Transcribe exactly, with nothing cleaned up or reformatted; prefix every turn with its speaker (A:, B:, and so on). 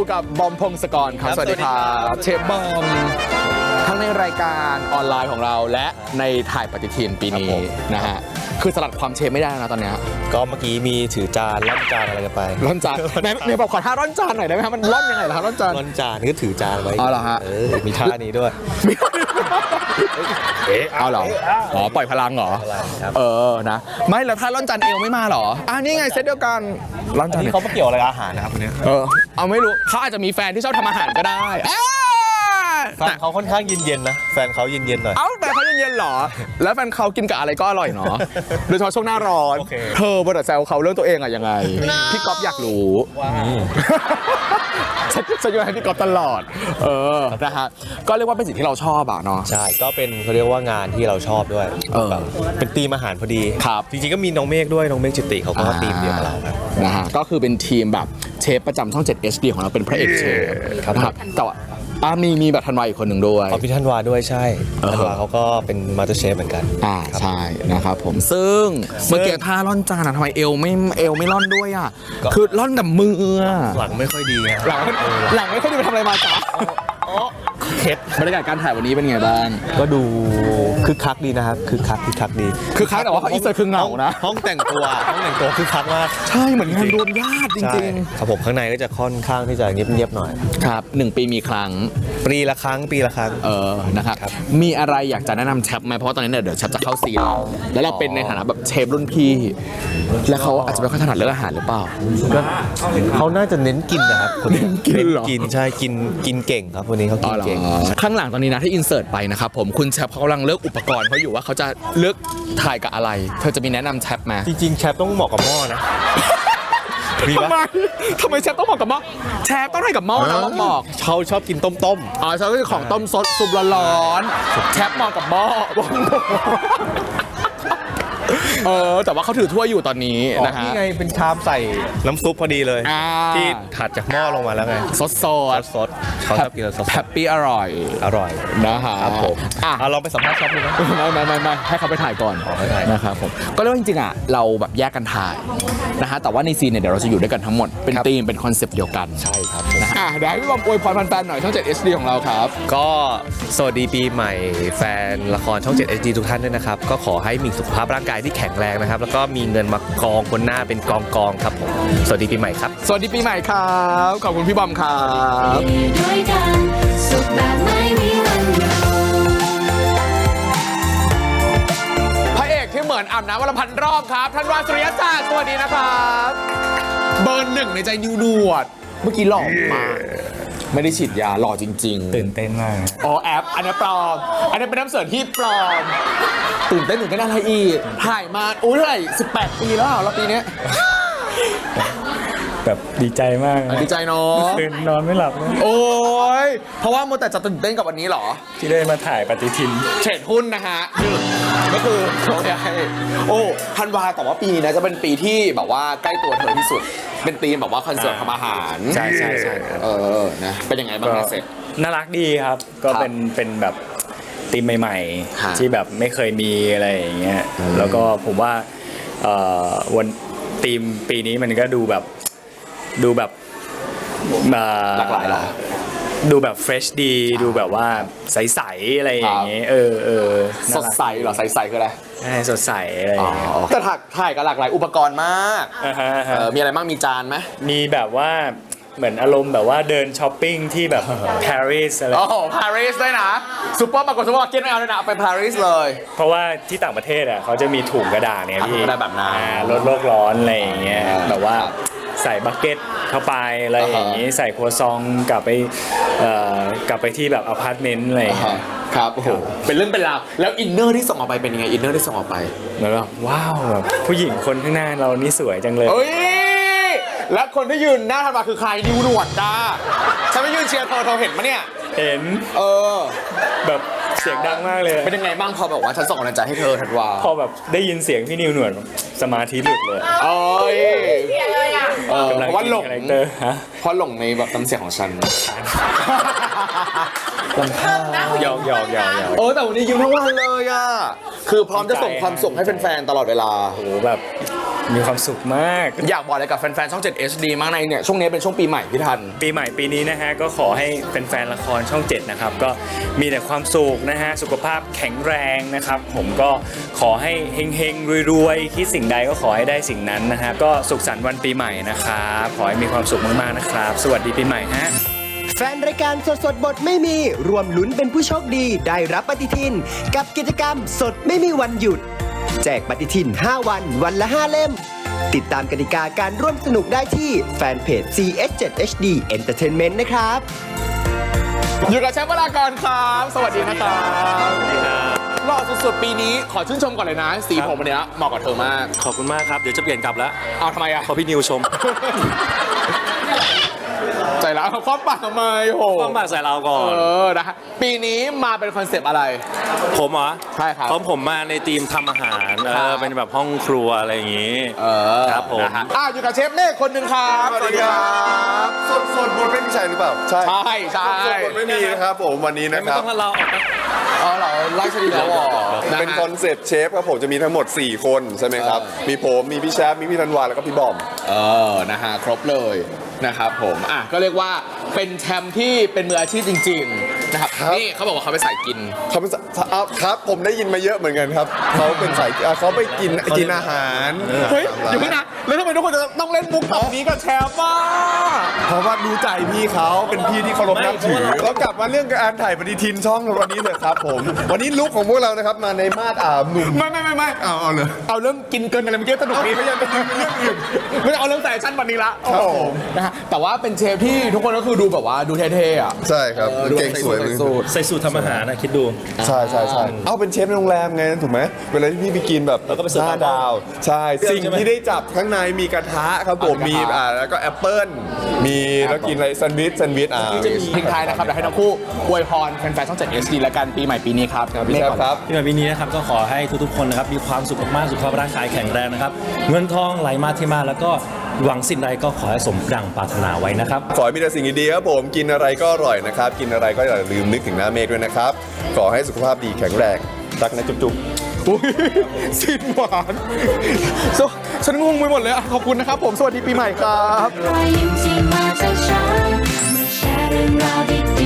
A: กับบอมพงศกรครับสวัสดีครับเชฟบอมทั้งในรายการออนไลน์ของเราและในถ่ายปฏิทินปีนี้นะฮะคือสลัดความเชฟไม่ได้นะตอนนี้
B: ก็เมื่อกี้มีถือจานร่อนจานอะไรกันไป
A: ร่อนจานไหนไหนบอกขอท่าร่อนจานหน่อยได้ไหมครับมันร่อนยังไงล่ะร่อนจาน
B: ร่อนจานก็ถือจานไว้
A: อ๋อเหรอฮะ
B: เออมีท่านี้ด้วย
A: เอ๊ะเอาเหรออ๋อปล่อยพลังเหรอเออนะไม่แล้วถ้าร่อนจานเอวไม่มาเหรออ่ะนี่ไงเซตเดียวกันร่อนจาน
B: เขาไม่เกี่ยวอะไรกับอาหารนะครับคนนี้
A: เออเอาไม่รู้เขาอาจจะมีแฟนที่ชอบทำอาหารก็ได้
B: แฟนเขาค่อนข้างเย็นๆนะแฟนเขาเย็นๆหน่อย
A: เอ้าแต่เขาเย็นๆหรอแล้วแฟนเขากินกับอะไรก็อร่อยเนาะโดยเฉพาะช่วงหน้าร้อนเธอบทแซวเขาเรื่องตัวเองอะยังไงพี่ก๊อฟอยากรู้ฉันจะอยู่ให้พี่ก๊อฟตลอดเออนะฮะก็เรียกว่าเป็นสิ่งที่เราชอบอะเนาะ
B: ใช่ก็เป็นเขาเรียกว่างานที่เราชอบด้วยเป็นทีมอาหารพอดี
A: ครับ
B: จริงๆก็มีน้องเมฆด้วยน้องเมฆจิติเขาก็ทีมเดียวกับเราครับ
A: นะฮะก็คือเป็นทีมแบบเชฟประจำช่องเจ็ด เอช ดี ของเราเป็นพระเอกเชฟนะครับแต่ว่าอ่ามีมีแบบธันวาอีกคนหนึ่งด้วย
B: อ๋อพี่ธันวาด้วยใช่ธันวาเขาก็เป็นมาสเตอร์เชฟเหมือนกัน
A: อ่าใช่นะครับผมซึ่งเมื่อกี้ท่าล่อนจานทำไมเอวไม่เอวไม่ล่อนด้วยอ่ะคือล่อนแต่มือ
B: หลังไม่ค่อยดี
A: หลังหลังไม่ค่อยดีไปทำอะไรมาจ๊ะ
B: เคล็ด
A: บรรยากาศการถ่ายวันนี้เป็นไงบ้าง
B: ก็ดูคึกคักดีนะครับคึกคักคึกคักดี
A: คือคักแต่ว่าเขาอินเสิร์ตคือเหงานะ
B: ห้องแต่งตัวห้องแต่งตัวคึกคักมาก
A: ใช่เหมือนงานรวมญาติจริง
B: ๆครับผมข้างในก็จะค่อนข้างที่จะเงียบๆหน่อย
A: ครับหนึ่งปีมีครั้ง
B: ปีละครั้งปีละครั้ง
A: เออนะครับมีอะไรอยากจะแนะนำแชปไหมเพราะว่าตอนนี้เนี่ยเดี๋ยวแชปจะเข้าซีนแล้วเราเป็นในฐานะแบบเชฟรุ่นพี่แล้วเขาอาจจะไม่ค่อยถนัดเรื่องอาหารหรือเปล่า
B: เขาน่าจะเน้นกินนะครับคนนี้
A: กินเหรอ
B: กินใช่กินกินเก่งครับวันนี้เขากินเก่ง
A: ข้างหลังตอนนี้นะที่อินเสิร์ตไปนะครับผมคุณแชปเขากำลังเลือกอุปกรณ์เขาอยู่ว่าเขาจะเลือกถ่ายกับอะไรเธอจะมีแนะนำแชปไหม
B: จริงๆแชปต้องเหมาะกับหม้อนะ
A: ทำไมทำไมแชปต้องเหมาะกับหม้อแชปต้องให้กับหม้อนะต้องบอก
B: เขาชอบกินต้มต้ม
A: อ๋อชอบกินของต้มซดซุปร้อนๆแชปเหมาะกับหม้อเออแต่ว่าเขาถือถ้วยอยู่ตอนนี้นะฮะ
B: นี่ไงเป็นชามใส่น้ำซุปพอดีเลยที่ถัดจากหม้อลงมาแล้วไง
A: ซดซด
B: ซดเขาชอบกินซด
A: แฮปปี้อร่อย
B: อร่อย
A: นะฮะ
B: ครับผมอ่ะเราไปสัมภาษณ์ชอบดูนะ
A: ไม่ไม่ไม่ไม่ให้เขาไปถ่ายก่อนนะครับผมก็เรียกว่าจริงๆอ่ะเราแบบแยกกันถ่ายนะฮะแต่ว่าในซีนเนี่ยเดี๋ยวเราจะอยู่ด้วยกันทั้งหมดเป็นธีมเป็นคอนเซปต์เดียวกัน
B: ใช่ครับ
A: นะฮะเดี๋ยวให้พี่บอมอวยพรแฟนๆหน่อยช่องเจ็ด เอช ดี ของเราครับ
B: ก็สวัสดีปีใหม่แฟนละครช่องเจ็ด เอช ดี ทุกท่านด้วยนะครับก็ขอให้มีสุขภาพร่างกายที่แข็งแรงนะครับแล้วก็มีเงินมากองบนหน้าเป็นกองกองครับผมสวัสดีปีใหม่ครับ
A: สวัสดีปีใหม่ครับขอบคุณพี่บอมครับพระเอกที่เหมือนอาบน้ำวันละพันรอบครับธันวาสุริยศาสตร์สวัสดีนะครับเบอร์หนึ่งในใจนิวหนวดเมื่อกี้หล่อมากไม่ได้ฉีดยาหล่อจริง
B: ๆตื่นเต้นมาก
A: อ๋อแอปอันนี้ปลอมอันนี้เป็นน้ำเสริมที่ปลอมตื่นเต้นตื่นเต้นอะไรอีกถ่ายมาอุ้ยเท่าไหร่สิบแปดปีแล้วเราปีนี้
C: แบบดีใจมาก
A: ดีใจเนาะ
C: ตื่นนอนไม่หลับเลย
A: โอ้ยเพราะว่าโมแต่จะตื่นเต้นกับวันนี้หรอ
C: ที่ได้มาถ่ายปฏิทิน
A: เทรดหุ้นนะฮะก็คือโอเคโอ้ธันวาแต่ว่าปีนี้นะจะเป็นปีที่แบบว่าใกล้ตัวเธอที่สุดเป็นธีมแบบว่าคอนเสิร์ตทำอาหาร
C: ใช่ใช่ใช่
A: เออนะเป็นยังไงบ้างเสร็จ
C: น่ารักดีครับก็เป็นเป็นแบบธีมใหม่ๆที่แบบไม่เคยมีอะไรอย่างเงี้ยแล้วก็ผมว่าวันธีมปีนี้มันก็ดูแบบดูแบบ
A: หลากหลายหรอ
C: ดูแบบเฟรชดีดูแบบว่าใสๆอะไรอย่างเงี้ยเออเออ
A: สดใสเหรอใสๆคืออะไร
C: ใช่สดใสอะไร
A: แต่ถ่ายถ่ายกับหลากหลายอุปกรณ์มากมีอะไรบ้างมีจานไหม
C: มีแบบว่าเหมือนอารมณ์แบบว่าเดินช้อปปิ้งที่แบบปารีสอะไร
A: โอ้โหปารีสด้วยนะซุปเปอร์มาร์เก็ตซุปเปอร์มาร์เก็ตไม่เอาเลยนะไปปารีสเลย
C: เพราะว่าที่ต่างประเทศอ่ะเขาจะมีถุงกระดาษเนี่ยพี่
A: ได้แบบนั้น
C: ลดโลกร้อนอะไรอย่างเงี้ยแบบว่าใส่บักเก็ตเข้าไปอะไรอย่างงี้ใส่ครัวซองกลับไปกลับไปที่แบบอพาร์ตเมนต์อะไร
A: ครับโอ้โหเป็นเรื่องเป็นราวแล้วอินเนอร์ที่ส่งออกไปเป็นยังไงอินเนอร์ที่ส่งออกไป
C: เหมือนแบบว้าวแบบผู้หญิงคนข้างหน้าเรานี่สวยจังเลย
A: เฮ้ยแล้วคนที่ยืนหน้าธันวาคือใครนิวหนวดจ้าฉันไม่ยืนเชียร์เธอเธอเห็นปะเนี่ย
C: เห็น
A: เออ
C: แบบเสียงดังมากเลย
A: เป็นยังไงบ้างพอแบบว่าฉันส่งกำลังใจให้เธอธันวา
C: พอแบบได้ยินเสียงพี่นิวหนวดสมาธิหลุดเลย
A: โอ้ยเพราะว่าหลงเพราะหลงในแบบน้ำเสียงของฉัน
C: หยอกหยอกหยอก
A: เออแต่วันนี้ยิ้มทั้งวันเลยอ่ะคือพร้อมจะส่งความสุขให้แฟนๆตลอดเวลา
C: โอ้โหแบบมีความสุขมาก
A: อยากบอกอะไรกับแฟนๆช่อง เจ็ด เอช ดี มากในเนี่ยช่วงนี้เป็นช่วงปีใหม่พี่ทัน
C: ปีใหม่ปีนี้นะฮะก็ขอให้เป็นแฟนๆละครช่องเจ็ดนะครับก็มีแต่ความสุขนะฮะสุขภาพแข็งแรงนะครับผมก็ขอให้เฮงๆรวยๆคิดสิ่งใดก็ขอให้ได้สิ่งนั้นนะฮะก็สุขสันต์วันปีใหม่นะครับขอให้มีความสุขมากๆนะครับสวัสดีปีใหม่ฮะ
D: แฟนรายการสดสดบทไม่มีรวมลุ้นเป็นผู้โชคดีได้รับปฏิทิน กับกิจกรรมสดไม่มีวันหยุด แจกปฏิทิน ห้า วันวันละ ห้า เล่ม ติดตามกติกาการร่วมสนุกได้ที่แฟนเพจ ซี เอช เจ็ด เอช ดี Entertainment นะครับ
A: อยู่กับแชมป์วรากรครับ สวัสดีนะครับหล่อสุดๆปีนี้ขอชื่นชมก่อนเลยนะ สีผมวันเนี้ยเหมาะกับเธอมาก
E: ขอบคุณมากครับ เดี๋ยวจะเปลี่ยนกลับแล้ว
A: เอาทำไมอะ
E: พอพี่นิวชม
A: ใจร้าวครอบปากทำไมโห
E: ต้องมาใส่เราก่อน
A: เออนะฮะปีนี้มาเป็นคอนเซปต์อะไร
E: ผมเหรอ
A: ใช่ครับ
E: เพราะผมมาในทีมทำอาหารเอ
A: ครั
E: อบ เป็นแบบห้องครัวอะไรอย่างงี้
A: เออ
E: ครับผม
A: นะฮะอ่ะอยู่กับเชฟเมฆคนหนึ่งครับ
F: สวัสดีครับสดสดบทไม่มีใช่หรือเปล่า ใช่
A: ใช่ใช่
F: สดบทไม่มีนะครับผมวันนี้นะ
E: ไม่
F: ครับ
E: ต้องให้เราออกนะ
A: เออเราไล่ชดีแล้วเหรอนะ
F: เป็น
A: ฮะ
F: คอนเซ็ปต์เชฟครับผมจะมีทั้งหมด สี่ คนใช่ไหมครับ
A: เออ
F: มีผม มีพี่แชมป์มีพี่ธันวาแล้วก็พี่บอม
A: เออ นะฮะ ครบเลยนะครับผม อ่ะ ก็เรียกว่าเป็นแชมป์ที่เป็นมืออาชีพจริง ๆ นะครับ
F: ครับ
A: นี่เขาบอกว่าเขาไปสายกิน
F: เขาเป็นสอ่ะครับ ผมได้ยินมาเยอะเหมือนกันครับ เขาเป็นสายอ่ะเขาไปกินกินอาหาร
A: เฮ้ย
F: ตามร้าน
A: อยู่พี่นะ แล้วทำไมทุกคนจะต้องเล่นมุกแบบนี้กับแชมป์อ่ะ
F: เพราะว่ารู้ใจพี่เขาเป็นพี่ที่เคารพนับถือเรากลับมาเรื่องการถ่ายปฏิทินช่องวันนี้เถอะครับผม วันนี้ลุคของพวกเรานะครับมาในมาดอ่าหนุ่ม
A: ไม่ไม่ไม่ไม่
F: เอาเอาเลย
A: เอาเรื่องกินเกินกันเลยเมื่อกี้สนุกดี
F: เอาไม่ใช่เป็นเรื่องอื่น
A: ไม่เอาเรื่องแฟชั่นวันนี้ละ
F: ครับผม
A: นะฮะ แต่ว่าเป็นเชฟที่ทุกคนก็คือดูแบบว่าดูเท่ๆอ่ะ
F: ใช่ครับ
A: ออดู
F: เก่งสวย
A: ใส่
F: เลย
A: สูท
E: ใส่สูตรทำอาหารนะคิดดู
F: ใช่ใช่ใช่เอาเป็นเชฟในโรงแรมไงถูกไหมเวลาที่พี่ไปกินแบบ
E: แล้วก็ไปเสิร์ฟ
F: ห้าดาว ใช่ สิ่งที่ได้จับข้างในมีกระทะครับผม
A: มี
F: มี
A: กระทะ
F: อ่าแล้วก็แอปเปิ้ลมีแล้วกินอะไรแซนด์วิชแซนด์วิชอ่า
A: ทิ้งท้ายนะครับเดี๋ยวให้ทั้งคู่อวยพรแฟนๆช่องเจ็ด เอช ดี และกันปีใหม่ปีนี้ครับ
F: พี่แชมป์ครับ
E: ที่มาปีนี้นะครับก็ขอให้ทุกๆคนนะครับมีความสุขมากๆสุขภาพร่างกายแข็งแรงนะครับเงินทองไหลมาเทมาแล้วก็หวังสิ่งใดก็ขอให้สมดังปรารถนาไว้นะครับ
F: ขอให้มีแต่สิ่งดีๆครับผมกินอะไรก็อร่อยนะครับ กินอะไรก็อย่าลืมนึกถึงหน้าเมฆด้วยนะครับ ขอให้สุขภาพดีแข็งแรงรักนะจุ๊บๆ
A: อุ๊ยสิ้นหวานโซฉันงงไปหมดเลยอ่ะขอบคุณนะครับผม สวัสดีปีใหม่ครับ
G: รอยยิ้มที่มาจากฉันมาแชร์เรื่องราวดี